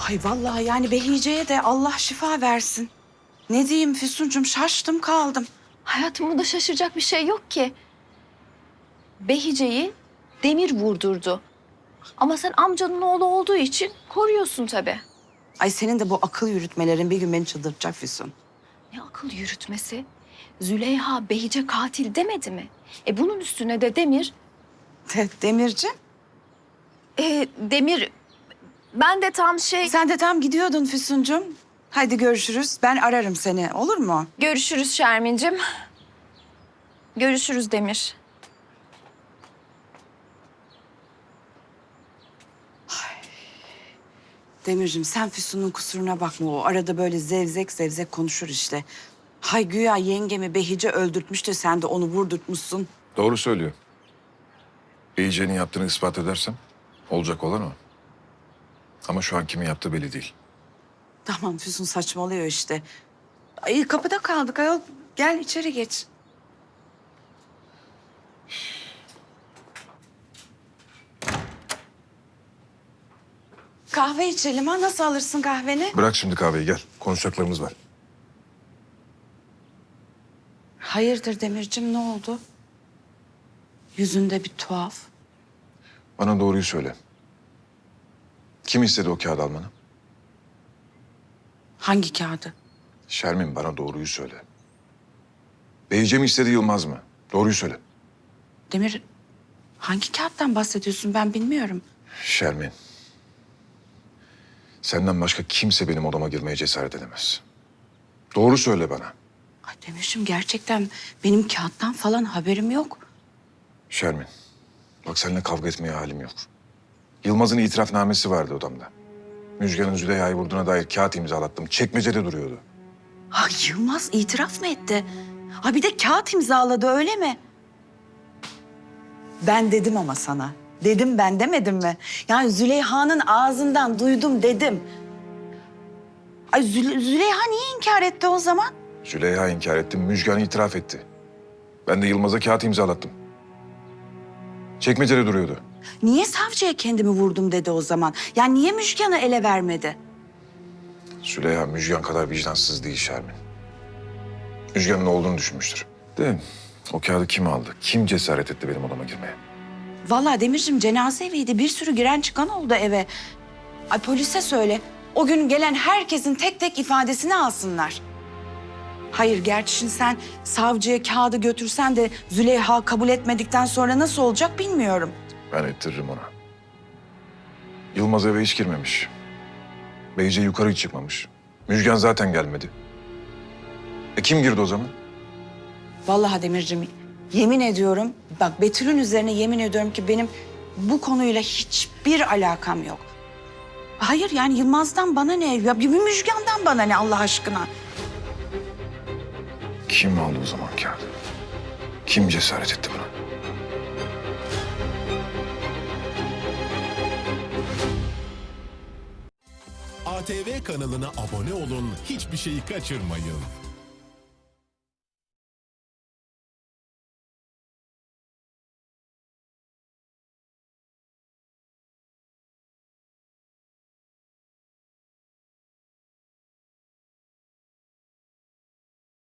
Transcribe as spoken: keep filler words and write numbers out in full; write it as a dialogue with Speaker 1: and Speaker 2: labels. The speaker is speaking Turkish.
Speaker 1: Ay vallahi yani Behice'ye de Allah şifa versin. Ne diyeyim Füsuncuğum, şaştım kaldım.
Speaker 2: Hayatım, bunda şaşıracak bir şey yok ki. Behice'yi Demir vurdurdu. Ama sen amcanın oğlu olduğu için koruyorsun tabii.
Speaker 1: Ay senin de bu akıl yürütmelerin bir gün beni çıldırtacak Füsun.
Speaker 2: Ne akıl yürütmesi? Züleyha Behice katil demedi mi? E bunun üstüne de Demir...
Speaker 1: De, Demirciğim,
Speaker 2: E, Demir... Ben de tam şey...
Speaker 1: sen de tam gidiyordun Füsuncuğum. Hadi görüşürüz. Ben ararım seni, olur mu?
Speaker 2: Görüşürüz Şermin'cim. Görüşürüz Demir.
Speaker 1: Demirciğim, sen Füsun'un kusuruna bakma. O arada böyle zevzek zevzek konuşur işte. Hay güya yengemi Behice öldürtmüş de sen de onu vurdurtmuşsun.
Speaker 3: Doğru söylüyor. Behice'nin yaptığını ispat edersem olacak olan o. Ama şu an kimin yaptığı belli değil.
Speaker 1: Tamam, Füsun saçmalıyor işte. Ay kapıda kaldık ayol. Gel içeri geç. Kahve içelim ha. Nasıl alırsın kahveni?
Speaker 3: Bırak şimdi kahveyi, gel. Konuşacaklarımız var.
Speaker 1: Hayırdır Demircim, ne oldu? Yüzünde bir tuhaf.
Speaker 3: Bana doğruyu söyle. Kim istedi o kağıdı almanı?
Speaker 1: Hangi kağıdı?
Speaker 3: Şermin, bana doğruyu söyle. Behice mi istedi, Yılmaz mı? Doğruyu söyle.
Speaker 1: Demir, hangi kağıttan bahsediyorsun, ben bilmiyorum.
Speaker 3: Şermin. Senden başka kimse benim odama girmeye cesaret edemez. Doğru söyle bana.
Speaker 1: Ay Demircim, gerçekten benim kağıttan falan haberim yok.
Speaker 3: Şermin, bak seninle kavga etmeye halim yok. Yılmaz'ın itirafnamesi vardı odamda. Müjgan'ın Züleyha'yı vurduğuna dair kağıt imzalattım. Çekmecede duruyordu.
Speaker 1: Ha, Yılmaz itiraf mı etti? Ha bir de kağıt imzaladı, öyle mi? Ben dedim ama sana. Dedim ben, demedim mi? Yani Züleyha'nın ağzından duydum dedim. Ay Zü- Züleyha niye inkar etti o zaman?
Speaker 3: Züleyha inkar etti, Müjgan itiraf etti. Ben de Yılmaz'a kağıt imzalattım. Çekmecede duruyordu.
Speaker 1: Niye savcıya kendimi vurdum dedi o zaman? Yani niye Müjgan'ı ele vermedi?
Speaker 3: Züleyha Müjgan kadar vicdansız değil Şermin. Müjgan'ın olduğunu düşünmüştür. De o kağıdı kim aldı? Kim cesaret etti benim odama girmeye?
Speaker 1: Vallahi Demircim, cenaze eviydi. Bir sürü giren çıkan oldu eve. Ay polise söyle. O gün gelen herkesin tek tek ifadesini alsınlar. Hayır, gerçi şimdi sen savcıya kağıdı götürsen de Züleyha kabul etmedikten sonra nasıl olacak bilmiyorum.
Speaker 3: Ben ettiririm ona. Yılmaz eve hiç girmemiş. Beyce yukarı hiç çıkmamış. Müjgan zaten gelmedi. E kim girdi o zaman?
Speaker 1: Vallahi Demircim, yemin ediyorum, bak Betül'ün üzerine yemin ediyorum ki benim bu konuyla hiçbir alakam yok. Hayır yani Yılmaz'dan bana ne? Ya bir Müjgan'dan bana ne Allah aşkına?
Speaker 3: Kim aldı o zaman kağıdı? Kim cesaret etti buna?
Speaker 4: A T V kanalına abone olun, hiçbir şeyi kaçırmayın.